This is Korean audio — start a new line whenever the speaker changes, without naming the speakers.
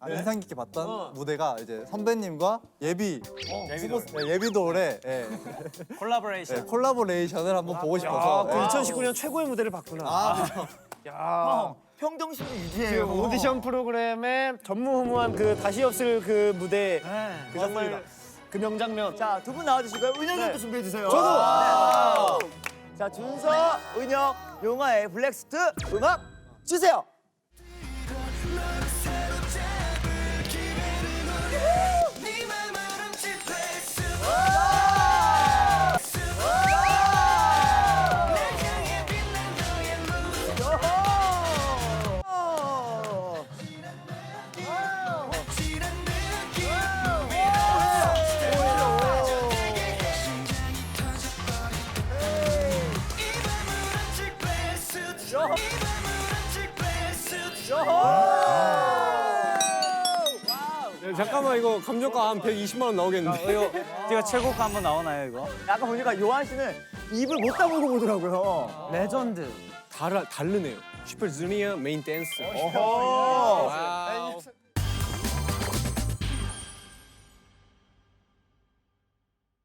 인상 깊게 봤던 무대가 이제 선배님과 예비 예비돌의 콜라보레이션을 한번 보고 싶어서.
2019년 최고의 무대를 봤구나. 야.
평정심도 유지해요.
오디션 프로그램의 전무후무한 그 다시 없을 그 무대. 그 정말 그 명장면.
자, 두 분 나와주시고요. 은혁이 형도 준비해 주세요.
저도.
자, 준서, 은혁, 용화의 블랙스트 음악 주세요.
잠깐만 이거 감정가 한 120만 원 나오겠는데.
제가 최고가 한번 나오나요 이거?
아까 보니까 요한 씨는 입을 못 다물고 보더라고요.
레전드.
다르네요. 슈퍼주니어 메인 댄스.
오.
와.